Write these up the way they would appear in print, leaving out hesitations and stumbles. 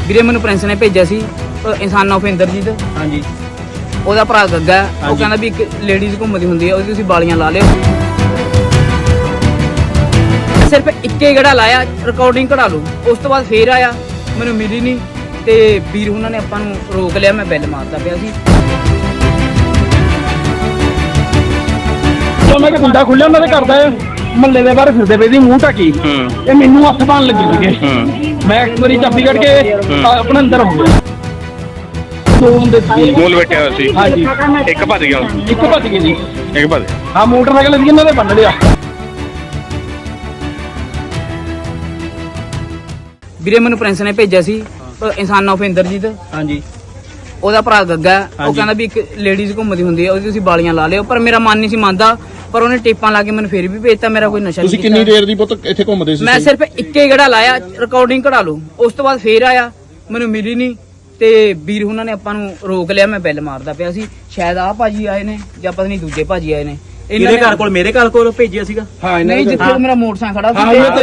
ਵੀਰੇ ਮੈਨੂੰ ਪ੍ਰਿੰਸ ਨੇ ਭੇਜਿਆ ਸੀ ਇਨਸਾਨ ਆਫ ਇੰਦਰਜੀਤ। ਹਾਂਜੀ। ਉਹਦਾ ਭਰਾ ਗੱਗਾ, ਉਹ ਕਹਿੰਦਾ ਵੀ ਇੱਕ ਲੇਡੀਜ਼ ਘੁੰਮਦੀ ਹੁੰਦੀ ਹੈ, ਉਹਦੀ ਤੁਸੀਂ ਬਾਲੀਆਂ ਲਾ ਲਿਓ। ਸਿਰਫ ਇੱਕੇ ਗੇੜਾ ਲਾਇਆ, ਰਿਕਾਰਡਿੰਗ ਕਢਾ ਲਓ। ਉਸ ਤੋਂ ਬਾਅਦ ਫੇਰ ਆਇਆ, ਮੈਨੂੰ ਮਿਲੀ ਨਹੀਂ ਤੇ ਵੀਰ ਉਹਨਾਂ ਨੇ ਆਪਾਂ ਨੂੰ ਰੋਕ ਲਿਆ। ਮੈਂ ਬੈਲ ਮਾਰਦਾ ਪਿਆ ਸੀ। ਮੈਂ ਕਿ ਗੁੰਡਾ ਖੁੱਲਿਆ ਉਹਨਾਂ ਦੇ ਘਰ ਦਾ ਮਹੱਲੇ ਦੇ ਬਾਹਰ ਫਿਰਦੇ ਪਏ ਸੀ ਮੂੰਹ ਢੱਕੀ। ਇਹ ਮੈਨੂੰ ਹੱਥ ਪਾਉਣ ਲੱਗੇ ਸੀਗੇ। ਮੈਂ ਇੱਕ ਵਾਰੀ ਚਾਬੀ ਕੱਢ ਕੇ ਆਪਣੇ ਅੰਦਰ ਹੋ ਗਿਆ। ਦੋ ਬੰਦੇ ਮੂਲ ਬੈਠਿਆ ਹੋਇਆ ਸੀ। ਹਾਂਜੀ। ਇੱਕ ਭੱਜ ਗਿਆ। ਇੱਕ ਭੱਜ ਗਏ ਜੀ। ਇੱਕ ਭੱਜ। ਹਾਂ, ਮੋਟਰਸਾਈਕਲ ਸੀ ਇਹਨਾਂ ਦੇ ਬੰਨ ਲਿਆ। ਵੀਰੇ ਮੈਨੂੰ ਪ੍ਰਿੰਸ ਨੇ ਭੇਜਿਆ ਸੀ ਇਨਸਾਨ ਆਫ ਇੰਦਰਜੀਤ। ਹਾਂਜੀ। ਉਹਦਾ ਭਰਾ ਗੱਗਾ, ਉਹ ਕਹਿੰਦਾ ਵੀ ਇੱਕ ਲੇਡੀਜ਼ ਘੁੰਮਦੀ ਹੁੰਦੀ ਹੈ, ਉਹਦੀ ਤੁਸੀਂ ਬਾਲੀਆਂ ਲਾ ਲਿਓ। ਪਰ ਮੇਰਾ ਮਨ ਨਹੀਂ ਸੀ ਮੰਨਦਾ, ਪਰ ਉਹਨੇ ਟੇਪਾਂ ਲਾ ਕੇ ਮੈਨੂੰ ਫੇਰ ਵੀ ਭੇਜਤਾ। ਮੇਰਾ ਕੋਈ ਨਸ਼ਾ ਨਹੀਂ। ਤੁਸੀਂ ਕਿੰਨੀ ਦੇਰ ਦੀ ਪੁੱਤ ਇੱਥੇ ਘੁੰਮਦੇ ਸੀ? ਮੈਂ ਸਿਰਫ ਇੱਕੇ ਗੇੜਾ ਲਾਇਆ, ਰਿਕਾਰਡਿੰਗ ਕਢਾ ਲਓ। ਉਸ ਤੋਂ ਬਾਅਦ ਫੇਰ ਆਇਆ, ਮੈਨੂੰ ਮਿਲੀ ਨਹੀਂ ਤੇ ਵੀਰ ਉਹਨਾਂ ਨੇ ਆਪਾਂ ਨੂੰ ਰੋਕ ਲਿਆ। ਮੈਂ ਬੈਲ ਮਾਰਦਾ ਪਿਆ ਸੀ। ਸ਼ਾਇਦ ਆਹ ਭਾਜੀ ਆਏ ਨੇ ਜਾਂ ਪਤਾ ਨਹੀਂ ਦੂਜੇ ਭਾਜੀ ਆਏ ਨੇ। ਇਹਦੇ ਘਰ ਕੋਲ ਮੇਰੇ ਘਰ ਕੋਲ ਭੇਜਿਆ ਸੀਗਾ। ਹਾਂ, ਨਹੀਂ, ਜਿੱਥੇ ਮੇਰਾ ਮੋਟਰਸਾਈਕਲ ਖੜਾ ਸੀ।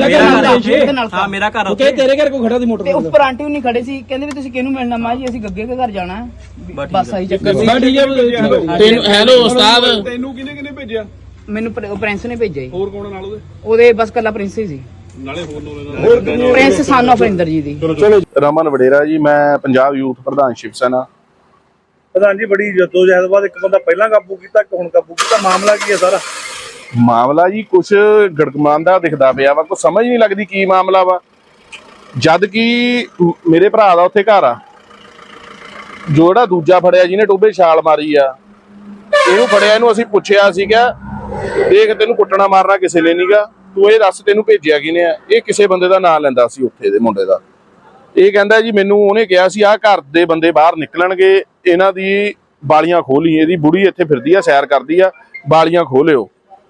ਹਾਂ, ਮੇਰਾ ਘਰ ਉੱਥੇ ਤੇਰੇ ਘਰ ਕੋਲ ਖੜਾ ਸੀ ਮੋਟਰ ਤੇ ਉੱਪਰ ਆਂਟੀ ਨਹੀਂ ਖੜੇ ਸੀ। ਕਹਿੰਦੇ ਵੀ ਤੁਸੀਂ ਕਿਹਨੂੰ ਮਿਲਣਾ? ਮਾਂ ਜੀ ਅਸੀਂ ਗੱਗੇ ਦੇ ਘਰ ਜਾਣਾ। ਬਸ ਆਹੀ ਚੱਕਰ ਸੀ। ਤੈਨੂੰ ਹੈਲੋ ਉਸਤਾਦ, ਤੈਨੂੰ ਕਿਹਨੇ ਭੇਜਿਆ? ਮੈਨੂੰ ਪ੍ਰਿੰਸ ਨੇ ਭੇਜਿਆ ਜੀ। ਹੋਰ ਕੌਣ ਨਾਲ ਉਹਦੇ ਬਸ ਕੱਲਾ ਪ੍ਰਿੰਸ ਹੀ ਸੀ। ਨਾਲੇ ਹੋਰ ਪ੍ਰਿੰਸ ਸਨ ਆਫ ਇੰਦਰਜੀਤ ਦੀ। ਚਲੋ। ਰਮਨ ਵਡੇਰਾ ਜੀ, ਮੈਂ ਪੰਜਾਬ ਯੂਥ ਪ੍ਰਧਾਨ ਸ਼ਿਵ ਸੈਨਾ। ਪ੍ਰਧਾਨ ਜੀ, ਬੜੀ ਜਦੋਜਹਿਦ ਬਾਅਦ ਇੱਕ ਬੰਦਾ ਪਹਿਲਾਂ ਕਾਬੂ ਕੀਤਾ, ਇੱਕ ਹੁਣ ਕਾਬੂ ਕੀਤਾ। ਮਾਮਲਾ ਕੀ ਹੈ ਸਾਰਾ? ਮਾਮਲਾ ਜੀ ਕੁਛ ਗੜਗਮਾਂਦਾ ਦਿਖਦਾ ਪਿਆ ਵਾ, ਕੋਈ ਸਮਝ ਨਹੀਂ ਲੱਗਦੀ ਕੀ ਮਾਮਲਾ ਵਾ। ਜਦ ਕਿ ਮੇਰੇ ਭਰਾ ਦਾ ਉੱਥੇ ਘਰ ਆ। ਜਿਹੜਾ ਦੂਜਾ ਫੜਿਆ ਜਿਹਨੇ ਟੋਬੇ ਛਾਲ ਮਾਰੀ ਆ, ਇਹਨੂੰ ਫੜਿਆ, ਇਹਨੂੰ ਅਸੀਂ ਪੁੱਛਿਆ ਸੀਗਾ, ਦੇਖ ਤੈਨੂੰ ਕੁੱਟਣਾ ਮਾਰਨਾ ਕਿਸੇ ਨੇ ਨਹੀਂਗਾ, ਤੂੰ ਇਹ ਦੱਸ ਤੈਨੂੰ ਭੇਜਿਆ ਕਿਨੇ ਆ? ਇਹ ਕਿਸੇ ਬੰਦੇ ਦਾ ਨਾਂ ਲੈਂਦਾ ਸੀ ਉੱਥੇ ਦੇ ਮੁੰਡੇ ਦਾ। ਇਹ ਕਹਿੰਦਾ ਜੀ ਮੈਨੂੰ ਉਹਨੇ ਕਿਹਾ ਸੀ ਆਹ ਘਰ ਦੇ ਬੰਦੇ ਬਾਹਰ ਨਿਕਲਣਗੇ, ਇਹਨਾਂ ਦੀ ਬਾਲੀਆਂ ਖੋਲੀ, ਇਹਦੀ ਬੁੜੀ ਇੱਥੇ ਫਿਰਦੀ ਆ, ਸੈਰ ਕਰਦੀ ਆ, ਬਾਲੀਆਂ ਖੋਲਿਓ।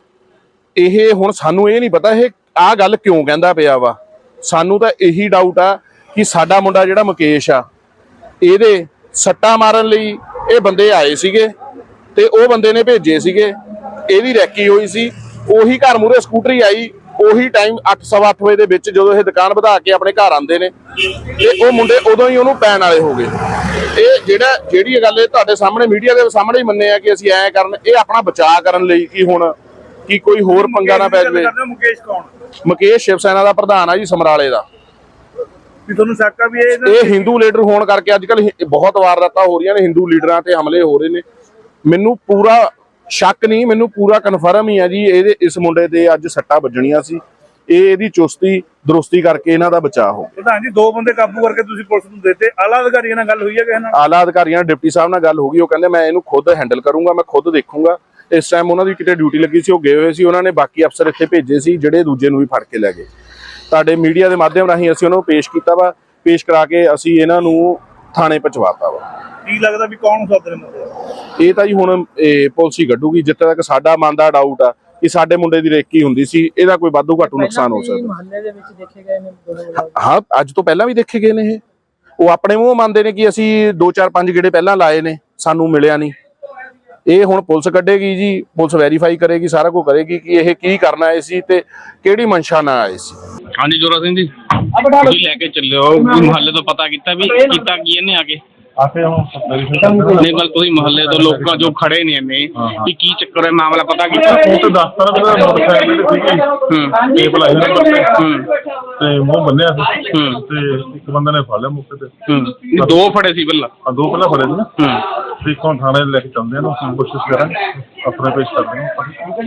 ਇਹ ਹੁਣ ਸਾਨੂੰ ਇਹ ਨਹੀਂ ਪਤਾ ਇਹ ਆਹ ਗੱਲ ਕਿਉਂ ਕਹਿੰਦਾ ਪਿਆ ਵਾ। ਸਾਨੂੰ ਤਾਂ ਇਹੀ ਡਾਊਟ ਆ ਕਿ ਸਾਡਾ ਮੁੰਡਾ ਜਿਹੜਾ ਮੁਕੇਸ਼ ਆ, ਇਹਦੇ ਸੱਟਾਂ ਮਾਰਨ ਲਈ ਇਹ ਬੰਦੇ ਆਏ ਸੀਗੇ ਤੇ ਉਹ ਬੰਦੇ ਨੇ ਭੇਜੇ ਸੀਗੇ। ਇਹਦੀ ਰੈਕੀ ਹੋਈ ਸੀ, ਉਹੀ ਘਰ ਮੂਹਰੇ ਸਕੂਟਰੀ ਆਈ, ਉਹੀ ਟਾਈਮ 8:15 ਵਜੇ ਦੇ ਵਿੱਚ ਜਦੋਂ ਇਹ ਦੁਕਾਨ ਵਧਾ ਕੇ ਆਪਣੇ ਘਰ ਆਉਂਦੇ ਨੇ ਤੇ ਉਹ ਮੁੰਡੇ ਉਦੋਂ ਹੀ ਉਹਨੂੰ ਪੈਣ ਵਾਲੇ ਹੋ ਗਏ। ਇਹ ਜਿਹੜੀ ਗੱਲ ਇਹ ਤੁਹਾਡੇ ਸਾਹਮਣੇ ਮੀਡੀਆ ਦੇ ਸਾਹਮਣੇ ਹੀ ਮੰਨੇ ਆ ਕਿ ਅਸੀਂ ਐਂ ਕਰਨ, ਇਹ ਆਪਣਾ ਬਚਾਅ ਕਰਨ ਲਈ ਕਿ ਹੁਣ ਕਿ ਕੋਈ ਹੋਰ ਪੰਗਾ ਨਾ ਪੈ ਜਾਵੇ। ਮੁਕੇਸ਼ ਕੌਣ? ਮੁਕੇਸ਼ ਸ਼ਿਵ ਸੈਨਾ ਦਾ ਪ੍ਰਧਾਨ ਆ ਜੀ, ਸਮਰਾਲੇ ਦਾ। ਤੁਹਾਨੂੰ ਸ਼ੱਕ ਆ ਵੀ ਇਹ ਹਿੰਦੂ ਲੀਡਰ ਹੋਣ ਕਰਕੇ ਅੱਜ ਕੱਲ ਬਹੁਤ ਵਾਰਦਾਤਾਂ ਹੋ ਰਹੀਆਂ ਨੇ, ਹਿੰਦੂ ਲੀਡਰਾਂ ਤੇ ਹਮਲੇ ਹੋ ਰਹੇ ਨੇ। ਮੈਨੂੰ ਪੂਰਾ ਸ਼ੱਕ ਨਹੀਂ, ਮੈਨੂੰ ਪੂਰਾ ਕਨਫਰਮ ਹੀ ਆ ਜੀ ਇਹਦੇ ਇਸ ਮੁੰਡੇ ਦੇ ਅੱਜ ਸੱਟਾਂ ਵੱਜਣੀਆਂ ਸੀ। ਇਹਦੀ ਚੁਸਤੀ ਦਰੁਸਤੀ ਕਰਕੇ ਇਹਨਾਂ ਦਾ ਬਚਾਅ ਹੋ। ਪ੍ਰਧਾਨ ਜੀ, ਦੋ ਬੰਦੇ ਕਾਬੂ ਕਰਕੇ ਤੁਸੀਂ ਪੁਲਿਸ ਨੂੰ ਦਿੱਤੇ। ਆਲਾ ਅਧਿਕਾਰੀਆਂ ਨਾਲ ਗੱਲ ਹੋਈ ਹੈ ਕਿਸੇ ਨਾਲ? ਆਲਾ ਅਧਿਕਾਰੀਆਂ ਨਾਲ ਡਿਪਟੀ ਸਾਹਿਬ ਨਾਲ ਗੱਲ ਹੋ ਗਈ। ਉਹ ਕਹਿੰਦੇ ਮੈਂ ਇਹਨੂੰ ਖੁਦ ਹੈਂਡਲ ਕਰੂੰਗਾ, ਮੈਂ ਖੁਦ ਦੇਖੂੰਗਾ। ਇਸ ਟਾਈਮ ਉਹਨਾਂ ਦੀ ਕਿਤੇ ਡਿਊਟੀ ਲੱਗੀ ਸੀ, ਉਹ ਗਏ ਹੋਏ ਸੀ। ਉਹਨਾਂ ਨੇ ਬਾਕੀ ਅਫਸਰ ਇੱਥੇ ਭੇਜੇ ਸੀ ਜਿਹੜੇ ਦੂਜੇ ਨੂੰ ਵੀ ਫੜ ਕੇ ਲੈ ਗਏ। ਤੁਹਾਡੇ ਮੀਡੀਆ ਦੇ ਮਾਧਿਅਮ ਰਾਹੀਂ ਅਸੀਂ ਉਹਨਾਂ ਨੂੰ ਪੇਸ਼ ਕੀਤਾ ਵਾ, ਪੇਸ਼ ਕਰਾ ਕੇ ਅਸੀਂ ਇਹਨਾਂ ਨੂੰ ਥਾਣੇ ਪਹੁੰਚਵਾਤਾ ਵਾ। ਕੀ ਲੱਗਦਾ ਵੀ ਕੌਣ ਸੱਦ ਰਹੇ? ਇਹ ਤਾਂ ਜੀ ਹੁਣ ਪੁਲਿਸ ਹੀ ਕੱਢੂਗੀ। ਜਿੱਥੇ ਤੱਕ ਸਾਡਾ ਮਨ ਦਾ ਡਾਊਟ ਆ ਕਿ ਸਾਡੇ ਮੁੰਡੇ ਦੀ ਰੇਕੀ ਹੁੰਦੀ ਸੀ, ਇਹਦਾ ਕੋਈ ਵਾਧੂ ਘਾਟੂ ਨੁਕਸਾਨ ਹੋ ਸਕਦਾ। ਮੁਹੱਲੇ ਦੇ ਵਿੱਚ ਦੇਖੇ ਗਏ ਨੇ ਹਾਂ, ਅੱਜ ਤੋਂ ਪਹਿਲਾਂ ਵੀ ਦੇਖੇ ਗਏ ਨੇ। ਉਹ ਆਪਣੇ ਮੂੰਹ ਮੰਨਦੇ ਨੇ ਕਿ ਅਸੀਂ 2 4 5 ਗੇੜੇ ਪਹਿਲਾਂ ਲਾਏ ਨੇ, ਸਾਨੂੰ ਮਿਲਿਆ ਨਹੀਂ। ਇਹ ਹੁਣ ਪੁਲਿਸ ਕੱਢੇਗੀ ਜੀ, ਪੁਲਿਸ ਵੈਰੀਫਾਈ ਕਰੇਗੀ, ਸਾਰਾ ਕੁਝ ਕਰੇਗੀ ਕਿ ਇਹ ਕੀ ਕਰਨਾ ਆਏ ਸੀ ਤੇ ਕਿਹੜੀ ਮਨਸ਼ਾ ਨਾਲ ਆਏ ਸੀ। ਹਾਂਜੀ ਜੋਰਾ ਸਿੰਘ ਜੀ, ਤੁਸੀਂ ਲੈ ਕੇ ਚੱਲਿਓ ਮੁਹੱਲੇ ਤੋਂ ਪਤਾ ਕੀਤਾ ਵੀ ਕੀਤਾ ਕੀ ਇਹਨੇ ਆ ਕੇ? ਨਹੀਂ ਗੱਲ ਤੁਸੀਂ ਮੁਹੱਲੇ ਤੋਂ ਲੋਕਾਂ ਜੋ ਖੜੇ ਨੇ ਇਹਨੇ ਕਿ ਕੀ ਚੱਕਰ ਹੈ, ਮਾਮਲਾ ਪਤਾ ਕੀਤਾ? ਉਹ ਤਾਂ ਦੱਸਦਾ ਮੇਰਾ ਮੋਟਰਸਾਈਕਲ ਸੀਗੀ, ਟੇਪ ਲਾਈ ਤੇ ਮੂੰਹ ਬੰਨਿਆ ਸੀ ਤੇ ਇੱਕ ਬੰਦੇ ਨੇ ਫੜ ਲਿਆ ਮੌਕੇ ਤੇ। ਦੋ ਫੜੇ ਸੀ ਪਹਿਲਾਂ? ਦੋ ਪਹਿਲਾਂ ਫੜੇ ਸੀ ਤੇ ਇੱਕ ਹੁਣ ਥਾਣੇ ਲੈ ਕੇ ਚੱਲਦੇ ਆ ਨਾ, ਕੋਸ਼ਿਸ਼ ਕਰਾਂਗੇ ਆਪਣੇ ਪੇਸ਼ ਕਰਦੇ ਹਾਂ।